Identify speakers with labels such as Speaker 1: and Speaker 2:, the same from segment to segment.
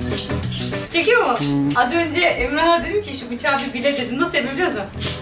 Speaker 1: Çekiyor mu? Az önce Emrah'a dedim ki şu bıçağı bir bile dedim. Nasıl yapabiliyorsun?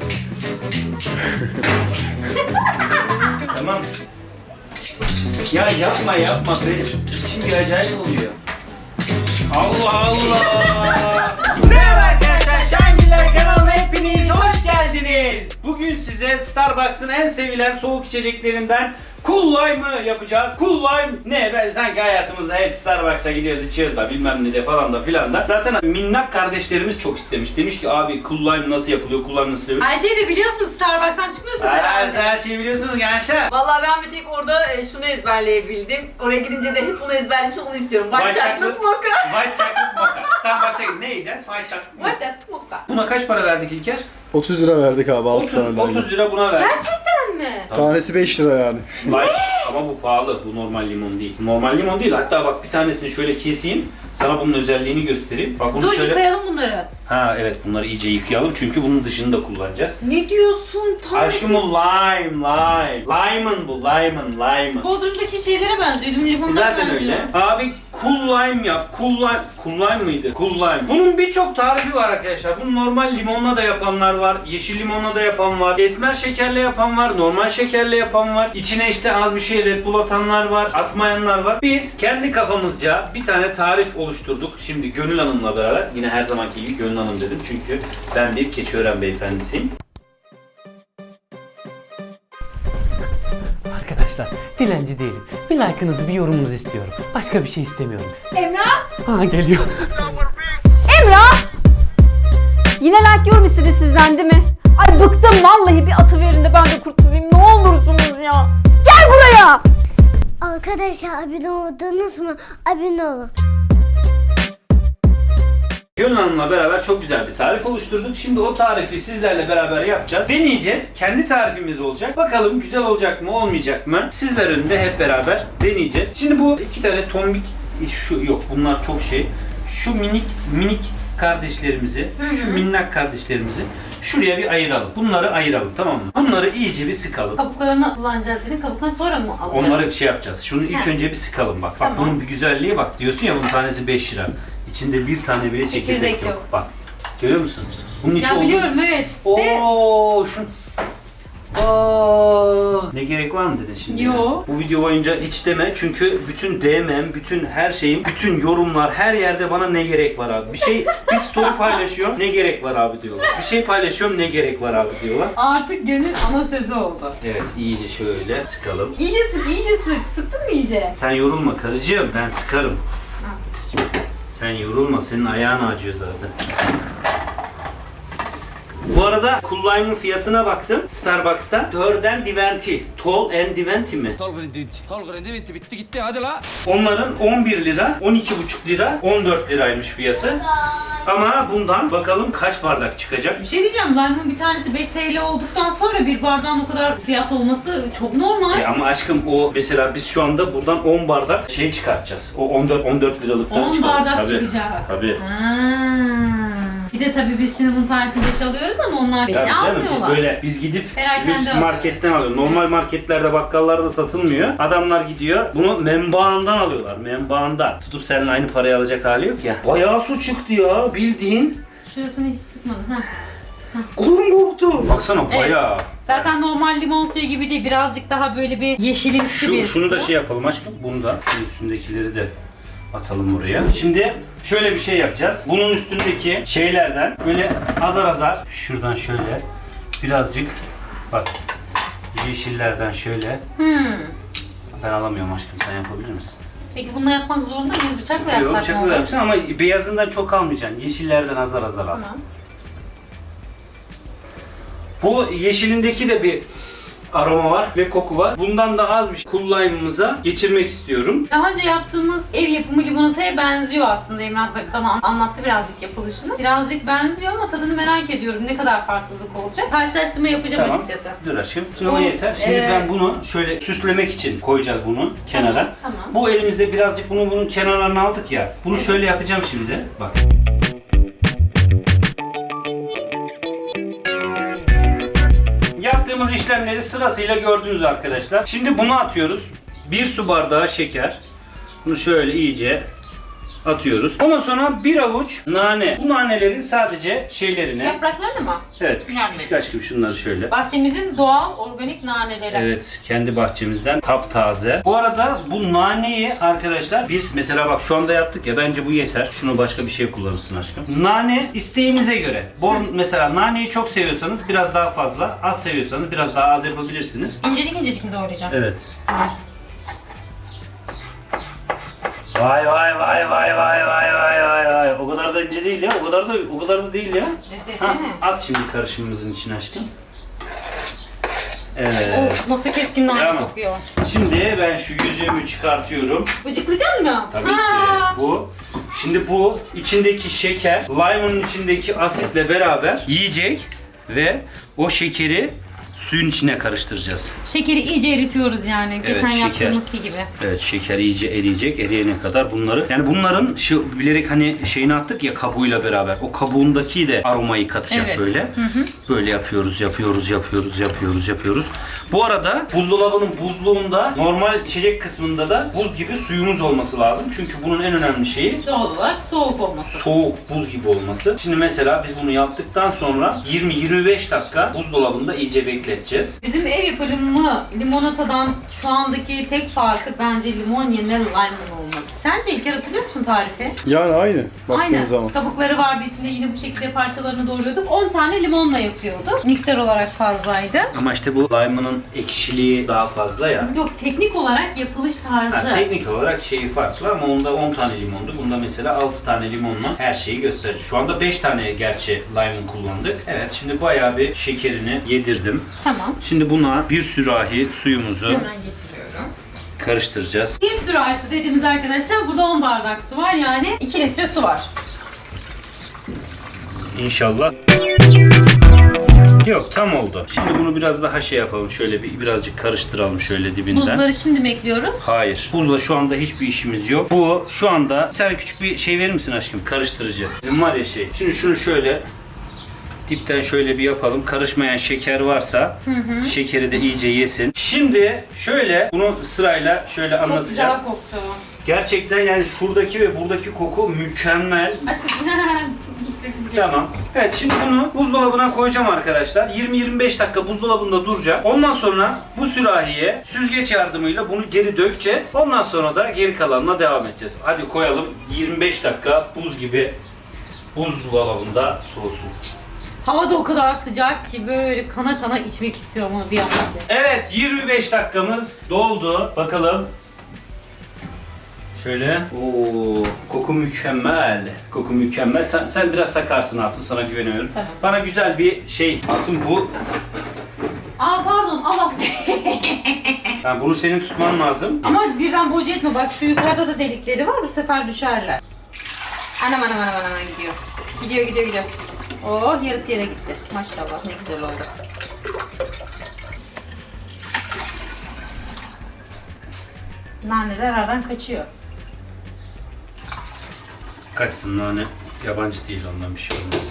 Speaker 2: Tamam. Ya yapma benim içim bir acayip oluyor. Allah Allah. Merhaba arkadaşlar, Şangiller kanalına hepiniz hoş geldiniz. Bugün size Starbucks'ın en sevilen soğuk içeceklerinden Cool Lime'ı yapacağız. Cool Lime ne? Ben sanki hayatımızda hep Starbucks'a gidiyoruz, içiyoruz da bilmem ne de falan da filan da. Zaten minnak kardeşlerimiz çok istemiş. Demiş ki abi Cool Lime nasıl yapılıyor, Cool Lime nasıl yapılıyor?
Speaker 1: Her şeyi de biliyorsunuz, Starbucks'tan çıkmıyorsunuz herhalde.
Speaker 2: Her şeyi biliyorsunuz gençler.
Speaker 1: Vallahi ben bir tek orada şunu ezberleyebildim. Oraya gidince de hep onu ezberledim, onu istiyorum. White chocolate mocha.
Speaker 2: White chocolate mocha. Starbucks'a gidin, ne yiyeceğiz? White chocolate mocha.
Speaker 1: White chocolate mocha.
Speaker 2: Buna kaç para verdik İlker?
Speaker 3: 30 lira verdik abi 6 tane.
Speaker 2: 30 lira buna verdik.
Speaker 1: Gerçekten mi?
Speaker 3: Tanesi 5 lira yani.
Speaker 2: Light ama bu pahalı. Bu normal limon değil. Normal limon değil. Hatta bak bir tanesini şöyle keseyim. Sana bunun özelliğini göstereyim. Bak bunu
Speaker 1: Dur
Speaker 2: şöyle...
Speaker 1: yıkayalım bunları.
Speaker 2: Ha evet, bunları iyice yıkayalım çünkü bunun dışını da kullanacağız.
Speaker 1: Ne diyorsun?
Speaker 2: Aşkım bu lime. Lime'ın bu. Lime'ın.
Speaker 1: Bodrum'daki şeylere benziyor. Limonlara
Speaker 2: Zaten
Speaker 1: benziyor.
Speaker 2: öyle. Abi Cool Lime yap. Cool Lime mıydı? Cool Lime. Bunun birçok tarifi var arkadaşlar. Bunu normal limonla da yapanlar var. Yeşil limonla da yapan var. Esmer şekerle yapan var. Normal şekerle yapan var. İçine işte az bir şey Red Bull atanlar var. Atmayanlar var. Biz kendi kafamızca bir tane tarif oluşturduk. Şimdi Gönül Hanım'la beraber. Yine her zamanki gibi Gönül Hanım dedim. Çünkü ben bir Keçiören beyefendisiyim.
Speaker 4: Arkadaşlar dilenci değilim. Bir like'ınızı, bir yorumunuzu istiyorum. Başka bir şey istemiyorum.
Speaker 1: Emrah!
Speaker 4: Ha geliyor.
Speaker 5: Emrah! Yine like yorum istedi sizden değil mi? Ay bıktım vallahi, bir atı verin de ben de kurtulayım, ne olursunuz ya. Gel buraya!
Speaker 6: Arkadaşlar abone oldunuz mu? Abone olun.
Speaker 2: Gönül Hanım'la beraber çok güzel bir tarif oluşturduk. Şimdi o tarifi sizlerle beraber yapacağız. Deneyeceğiz. Kendi tarifimiz olacak. Bakalım güzel olacak mı, olmayacak mı? Sizler önünde hep beraber deneyeceğiz. Şimdi bu iki tane tombik, şu yok bunlar çok şey. Şu minik kardeşlerimizi, şu minnak kardeşlerimizi şuraya bir ayıralım. Bunları ayıralım, tamam mı? Bunları iyice bir sıkalım.
Speaker 1: Kabuklarını kullanacağız dedin. Kabuklarını sonra mı alacağız?
Speaker 2: Onları şey yapacağız. Şunu ilk önce bir sıkalım bak. Bak
Speaker 1: Tamam.
Speaker 2: bunun bir güzelliği bak. Diyorsun ya bunun tanesi 5 lira. İçinde bir tane bile çekirdek
Speaker 1: Çekirdek
Speaker 2: yok.
Speaker 1: yok.
Speaker 2: Bak. Görüyor musun? Bunun içi
Speaker 1: Ya biliyorum evet. De-
Speaker 2: Oo, şu. Oo. Ne gerek var mı dedin şimdi?
Speaker 1: Yo.
Speaker 2: Ya? Bu video boyunca hiç deme çünkü bütün DM'm, bütün her şeyim, bütün yorumlar her yerde bana ne gerek var abi. Bir story paylaşıyorum, ne gerek var abi diyorlar. Bir şey paylaşıyorum, ne gerek var abi diyorlar.
Speaker 1: Artık Gönül ana sözü oldu.
Speaker 2: Evet, iyice şöyle sıkalım.
Speaker 1: İyice sık, iyice sık. Sıktın mı iyice?
Speaker 2: Sen yorulma karıcığım, ben sıkarım. Sen yorulma, senin ayağın acıyor zaten. Bu arada Cool Lime'ın fiyatına baktım Starbucks'ta. Törden Diventi. Tall and Diventi mi?
Speaker 7: Tolgren Diventi bitti gitti hadi la.
Speaker 2: Onların 11 lira, 12,5 lira, 14 liraymış fiyatı. Ama bundan bakalım kaç bardak çıkacak.
Speaker 1: Bir şey diyeceğim, lime'ın bir tanesi 5 TL olduktan sonra bir bardağın o kadar fiyat olması çok normal.
Speaker 2: Ama aşkım o mesela biz şu anda buradan 10 bardak şey çıkartacağız. O 14 liralıktan
Speaker 1: 10
Speaker 2: çıkaralım.
Speaker 1: bardak
Speaker 2: Tabii.
Speaker 1: çıkacak.
Speaker 2: Tabii.
Speaker 1: Bir de tabii biz şimdi bunun tanesini 5 alıyoruz ama onlar 5'i
Speaker 2: Tabii canım,
Speaker 1: almıyorlar.
Speaker 2: biz gidip
Speaker 1: Perakende
Speaker 2: lüks marketten alıyoruz. Normal marketlerde, bakkallarda satılmıyor. Adamlar gidiyor bunu menbaandan alıyorlar. Menbaandan. Tutup seninle aynı parayı alacak hali yok ya. Bayağı su çıktı ya bildiğin.
Speaker 1: Şurasını hiç sıkmadın ha.
Speaker 2: Kolum koptu. Baksana bayağı.
Speaker 1: Zaten normal limon suyu gibi değil, birazcık daha böyle bir yeşilimsi bir
Speaker 2: Şunu da
Speaker 1: su.
Speaker 2: şey yapalım aşkım. Bunu da şu üstündekileri de atalım buraya. Şimdi şöyle bir şey yapacağız. Bunun üstündeki şeylerden böyle azar azar şuradan şöyle birazcık bak yeşillerden şöyle. Ben alamıyorum aşkım, sen yapabilir misin?
Speaker 1: Peki bununla yapmak zorunda mıyız? Bıçakla
Speaker 2: Yok,
Speaker 1: yapsak ne
Speaker 2: bıçakla
Speaker 1: olur?
Speaker 2: yapacaksın ama beyazından çok almayacaksın. Yeşillerden azar azar al.
Speaker 1: Tamam.
Speaker 2: Bu yeşilindeki de bir aroma var ve koku var. Bundan da az bir şey Cool Lime'ımıza geçirmek istiyorum.
Speaker 1: Daha önce yaptığımız ev yapımı limonataya benziyor aslında. Emrah bana anlattı birazcık yapılışını. Birazcık benziyor ama tadını merak ediyorum. Ne kadar farklılık olacak? Karşılaştırma yapacağım açıkçası.
Speaker 2: Dur aşkım. Şimdi o yeter. Şimdi ben bunu şöyle süslemek için koyacağız bunu kenara.
Speaker 1: Tamam.
Speaker 2: Bu elimizde birazcık bunun kenarlarını aldık ya. Bunu şöyle yapacağım şimdi. Bak. Yaptığımız işlemleri sırasıyla gördünüz arkadaşlar. Şimdi bunu atıyoruz. 1 su bardağı şeker. Bunu şöyle iyice atıyoruz. Ondan sonra bir avuç nane. Bu nanelerin sadece şeylerini.
Speaker 1: Yapraklarını mı?
Speaker 2: Evet, küçük küçük aşkım şunları şöyle.
Speaker 1: Bahçemizin doğal organik naneleri.
Speaker 2: Evet, kendi bahçemizden taptaze. Bu arada bu naneyi arkadaşlar biz mesela bak şu anda yaptık ya, bence bu yeter. Şunu başka bir şey kullanırsın aşkım. Nane isteğinize göre. Mesela naneyi çok seviyorsanız biraz daha fazla, az seviyorsanız biraz daha az yapabilirsiniz.
Speaker 1: İncecik incecik mi doğrayacağım?
Speaker 2: Evet. Vay vay vay vay vay vay vay vay vay. O kadar da ince değil ya. O kadar da değil ya.
Speaker 1: Desene.
Speaker 2: At şimdi karışımımızın içine aşkım. Evet.
Speaker 1: Of, nasıl keskin nane
Speaker 2: Tamam.
Speaker 1: kokuyor.
Speaker 2: Şimdi ben şu yüzüğümü çıkartıyorum.
Speaker 1: Bıcıklayacaksın mı?
Speaker 2: Tabii ki bu. Şimdi bu içindeki şeker, limonun içindeki asitle beraber yiyecek ve o şekeri suyun içine karıştıracağız.
Speaker 1: Şekeri iyice eritiyoruz yani.
Speaker 2: Evet,
Speaker 1: Geçen
Speaker 2: şeker.
Speaker 1: yaptığımız gibi.
Speaker 2: Evet, şeker iyice eriyecek. Eriyene kadar bunları, yani bunların şu bilerek hani şeyini attık ya kabuğuyla beraber. O kabuğundaki de aromayı katacak
Speaker 1: Evet.
Speaker 2: böyle. Böyle yapıyoruz. Bu arada buzdolabının buzluğunda normal içecek kısmında da buz gibi suyumuz olması lazım. Çünkü bunun en önemli şeyi
Speaker 1: Doğal olarak soğuk olması.
Speaker 2: soğuk buz gibi olması. Şimdi mesela biz bunu yaptıktan sonra 20-25 dakika buzdolabında iyice bekleteceğiz.
Speaker 1: Bizim ev yapımı limonatadan şu andaki tek farkı bence limon yerine limon olması. Sence İlker hatırlıyor musun tarifi?
Speaker 3: Yani aynı baktığın
Speaker 1: Aynen.
Speaker 3: zaman.
Speaker 1: Kabukları vardı içinde, yine bu şekilde parçalarını doğruyorduk. 10 tane limonla yapıyorduk. Miktar olarak fazlaydı.
Speaker 2: Ama işte bu limon'ın ekşiliği daha fazla ya.
Speaker 1: Yok, teknik olarak yapılış tarzı.
Speaker 2: Ha, teknik olarak şeyi farklı ama onda 10 tane limondu. Bunda mesela 6 tane limonla her şeyi gösterir. Şu anda 5 tane gerçi limon kullandık. Evet, şimdi bayağı bir şekerini yedirdim.
Speaker 1: Tamam.
Speaker 2: Şimdi buna bir sürahi suyumuzu
Speaker 1: Hemen getiriyorum.
Speaker 2: karıştıracağız.
Speaker 1: Bir sürahi su dediğimiz arkadaşlar, burada 10 bardak su var, yani 2 litre su var.
Speaker 2: İnşallah. Yok, tam oldu. Şimdi bunu biraz daha şey yapalım. Şöyle birazcık karıştıralım şöyle dibinden.
Speaker 1: Buzları şimdi mi ekliyoruz?
Speaker 2: Hayır. Buzla şu anda hiçbir işimiz yok. Bu şu anda bir tane küçük bir şey verir misin aşkım? Karıştırıcı. Bizim var ya şey. Şimdi şunu şöyle dipten şöyle bir yapalım. Karışmayan şeker varsa şekeri de iyice yesin. Şimdi şöyle bunu sırayla şöyle
Speaker 1: Çok
Speaker 2: anlatacağım.
Speaker 1: güzel koktu.
Speaker 2: Gerçekten yani şuradaki ve buradaki koku mükemmel.
Speaker 1: Aşkım.
Speaker 2: Tamam. Evet, şimdi bunu buzdolabına koyacağım arkadaşlar. 20-25 dakika buzdolabında duracak. Ondan sonra bu sürahiye süzgeç yardımıyla bunu geri dökeceğiz. Ondan sonra da geri kalanına devam edeceğiz. Hadi koyalım. 25 dakika buz gibi buzdolabında soğusun.
Speaker 1: Hava da o kadar sıcak ki böyle kana kana içmek istiyorum onu bir an önce.
Speaker 2: Evet, 25 dakikamız doldu. Bakalım. Şöyle. Oo, koku mükemmel. Koku mükemmel. Sen biraz sakarsın Hatun, sana güveniyorum.
Speaker 1: Tamam.
Speaker 2: Bana güzel bir şey. Hatun bu.
Speaker 1: Aa pardon, Allah.
Speaker 2: Yani bunu senin tutman lazım.
Speaker 1: Ama birden boca etme, bak şu yukarıda da delikleri var, bu sefer düşerler. Anam gidiyor. Gidiyor. Oh, yarısı yere gitti. Maşallah, ne güzel oldu. Naneler aradan kaçıyor.
Speaker 2: Kaçsın nane. Yabancı değil, ondan bir şey olmaz.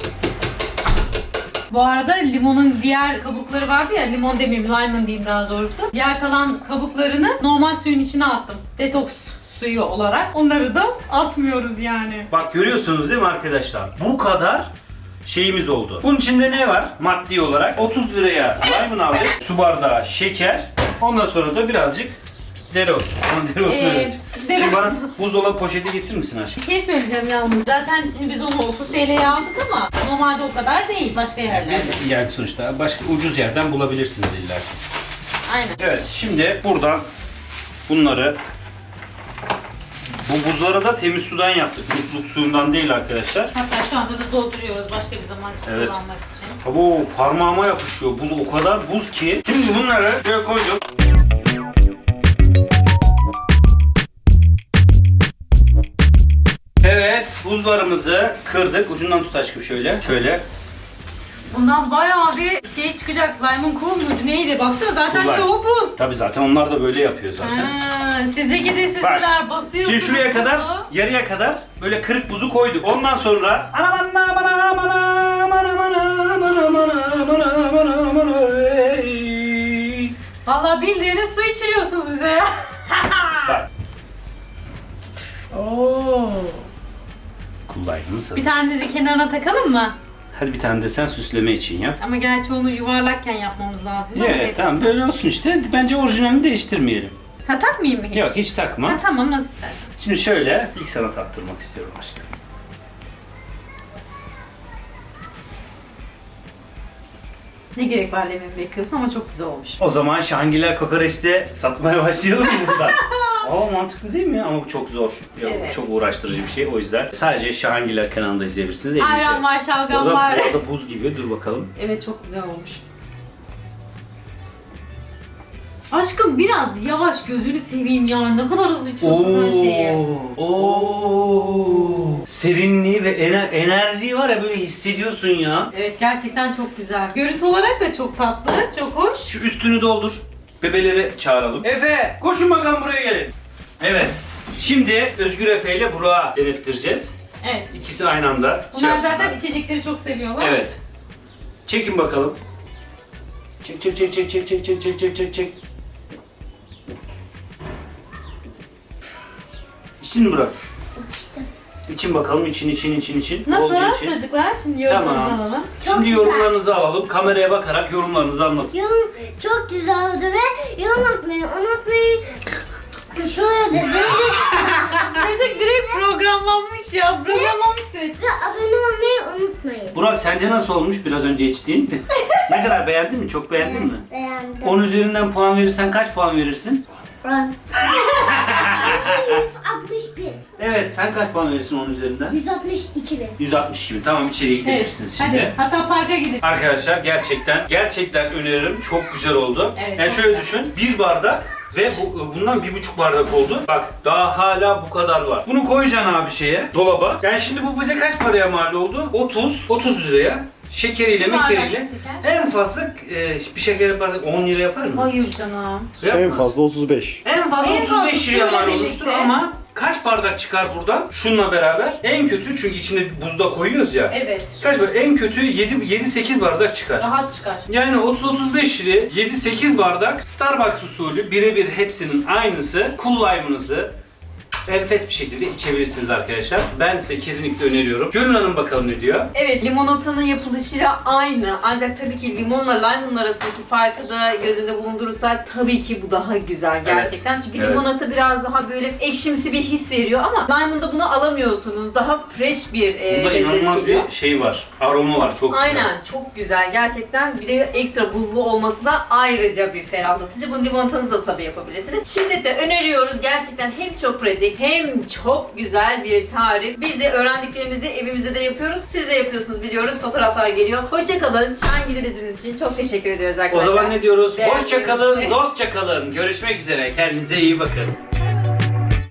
Speaker 1: Bu arada limonun diğer kabukları vardı ya, limon demeyeyim, limon diyeyim daha doğrusu. Diğer kalan kabuklarını normal suyun içine attım. Detoks suyu olarak. Onları da atmıyoruz yani.
Speaker 2: Bak, görüyorsunuz değil mi arkadaşlar? Bu kadar şeyimiz oldu. Bunun içinde ne var maddi olarak? 30 liraya limon aldık. Su bardağı şeker. Ondan sonra da birazcık dereotu. Şimdi bana buzdolabı poşeti getirir misin aşkım?
Speaker 1: Bir şey söyleyeceğim yalnız. Zaten şimdi biz onu 30 TL'ye aldık ama normalde o kadar değil başka yerlerde.
Speaker 2: Yani sonuçta başka ucuz yerden bulabilirsiniz illa ki.
Speaker 1: Aynen.
Speaker 2: Evet, şimdi buradan bunları, bu buzları da temiz sudan yaptık. Musluk suyundan değil arkadaşlar.
Speaker 1: Hatta şu anda da dolduruyoruz başka bir zaman
Speaker 2: Evet.
Speaker 1: kullanmak için.
Speaker 2: Bu parmağıma yapışıyor. Buz o kadar buz ki. Şimdi bunları şöyle koyduk. Evet, buzlarımızı kırdık. Ucundan tut aşkım şöyle. Şöyle.
Speaker 1: Bundan bayağı bir şey çıkacak. Lemon cool muydu neydi? Baksana zaten
Speaker 2: Kulak.
Speaker 1: çoğu buz.
Speaker 2: Tabii zaten onlar da böyle yapıyor zaten.
Speaker 1: Size gidi sizler basıyorsunuz.
Speaker 2: Şimdi şuraya kadar,
Speaker 1: buzu.
Speaker 2: yarıya kadar böyle kırık buzu koyduk. Ondan sonra
Speaker 1: Vallahi bildiğiniz su içiriyorsunuz bize ya.
Speaker 2: bak.
Speaker 1: Oo.
Speaker 2: Kullanımı
Speaker 1: Bir tane de kenarına takalım mı?
Speaker 2: Hadi bir tane de sen süsleme için yap.
Speaker 1: Ama gerçi onu yuvarlakken yapmamız lazım. değil mi?
Speaker 2: Evet
Speaker 1: Neyse.
Speaker 2: tamam böyle olsun işte. Bence orijinalini değiştirmeyelim.
Speaker 1: Ha takmayayım mı hiç?
Speaker 2: Yok hiç takma.
Speaker 1: Ha, tamam nasıl istersen.
Speaker 2: Şimdi şöyle ilk sana taktırmak istiyorum aşkım.
Speaker 1: Ne gerek var dememi bekliyorsun ama çok güzel olmuş.
Speaker 2: O zaman Şahangiler kokoreçte satmaya başlayalım mı burada? Aa mantıklı değil mi? Ama bu çok zor. Ya,
Speaker 1: Evet.
Speaker 2: Çok uğraştırıcı bir şey. O yüzden sadece Şahangiler kanalında izleyebilirsiniz.
Speaker 1: Ayran var, şalgam
Speaker 2: Orada,
Speaker 1: var.
Speaker 2: orada buz gibi. Dur bakalım.
Speaker 1: Evet çok güzel olmuş. Aşkım biraz yavaş gözünü seveyim ya. Ne kadar hızlı içiyorsun her şeyi.
Speaker 2: Oo. Serinliği ve enerjiyi var ya böyle hissediyorsun ya.
Speaker 1: Evet gerçekten çok güzel. Görüntü olarak da çok tatlı, çok hoş.
Speaker 2: Şu üstünü doldur. Bebeleri çağıralım. Efe koşun bakalım buraya gelin. Evet. Şimdi Özgür Efe ile Burak'ı denettireceğiz.
Speaker 1: Evet.
Speaker 2: İkisi aynı anda.
Speaker 1: Bunlar
Speaker 2: yapsınlar.
Speaker 1: zaten içecekleri çok seviyorlar.
Speaker 2: Evet. Çekin bakalım. Çek çek çek çek çek çek çek çek çek çek çek. İçini bırak. İçin bakalım için.
Speaker 1: Nasıl
Speaker 2: Olduğu için.
Speaker 1: çocuklar? Şimdi yorumlarınızı
Speaker 2: Tamam.
Speaker 1: alalım.
Speaker 2: Şimdi yorumlarınızı alalım. Kameraya bakarak yorumlarınızı anlatın.
Speaker 6: Yorum çok güzel oldu ve yorum atmayı unutmayın. Şöyle de
Speaker 1: Çocuk direkt programlanmış ya. Programlanmış direkt.
Speaker 6: ve abone olmayı unutmayın.
Speaker 2: Burak sence nasıl olmuş biraz önce içtiğin? Ne kadar beğendin mi? Çok beğendin mi?
Speaker 6: Beğendim.
Speaker 2: 10 üzerinden puan verirsen kaç puan verirsin?
Speaker 6: 161.
Speaker 2: Evet sen kaç puan verirsin 10 üzerinden?
Speaker 6: 162 bin.
Speaker 2: 162 bin. Tamam içeriye gidebilirsiniz
Speaker 1: Hadi
Speaker 2: şimdi.
Speaker 1: hatta parka gidin.
Speaker 2: Arkadaşlar gerçekten öneririm. Çok güzel oldu.
Speaker 1: Evet,
Speaker 2: Yani
Speaker 1: çok
Speaker 2: şöyle
Speaker 1: güzel.
Speaker 2: düşün. Bir bardak ve bundan 1,5 bardak oldu. Bak daha hala bu kadar var. Bunu koyacaksın abi şeye, dolaba. Yani şimdi bu bize kaç paraya mal oldu? 30 liraya. Şekeriyle,
Speaker 1: Bir bardak
Speaker 2: mekeriyle.
Speaker 1: şeker.
Speaker 2: En fazla bir şeker bardak 10 lira yapar mı?
Speaker 1: Hayır canım.
Speaker 3: En
Speaker 2: Yapmaz.
Speaker 3: fazla 35.
Speaker 2: En fazla
Speaker 1: En fazla
Speaker 2: 35 liraya mal
Speaker 1: suyla
Speaker 2: olmuştur
Speaker 1: birlikte.
Speaker 2: ama kaç bardak çıkar buradan? Şununla beraber. En kötü çünkü içine buzda koyuyoruz ya.
Speaker 1: Evet.
Speaker 2: Kaç bardak? En kötü 7-8 bardak çıkar.
Speaker 1: Rahat çıkar.
Speaker 2: Yani 30-35 liraya 7-8 bardak Starbucks usulü birebir hepsinin aynısı Cool Lime'ınızı enfes bir şekilde içebilirsiniz arkadaşlar. Ben size kesinlikle öneriyorum. Gönül Hanım bakalım ne diyor?
Speaker 1: Evet, limonatanın yapılışıyla aynı. Ancak tabii ki limonla limonun arasındaki farkı da göz önünde bulundurursak tabii ki bu daha güzel gerçekten. Çünkü
Speaker 2: Evet.
Speaker 1: limonata biraz daha böyle ekşimsi bir his veriyor ama limonda bunu alamıyorsunuz. Daha fresh bir
Speaker 2: Bunda
Speaker 1: lezzet
Speaker 2: inanılmaz
Speaker 1: geliyor.
Speaker 2: bir şey var. Aroma var. Çok güzel.
Speaker 1: Aynen, çok güzel gerçekten. Bir de ekstra buzlu olması da ayrıca bir ferahlatıcı. Bunu limonatanızı da tabii yapabilirsiniz. Şiddetle öneriyoruz. Gerçekten hem çok pratik hem çok güzel bir tarif. Biz de öğrendiklerimizi evimizde de yapıyoruz. Siz de yapıyorsunuz biliyoruz. Fotoğraflar geliyor. Hoşçakalın. Şahangiller izlediğiniz için çok teşekkür ediyoruz
Speaker 2: O
Speaker 1: arkadaşlar.
Speaker 2: zaman ne diyoruz?
Speaker 1: Beğenmeyi
Speaker 2: Hoşça kalın,
Speaker 1: unutmayın.
Speaker 2: dostça kalın. Görüşmek üzere. Kendinize iyi bakın.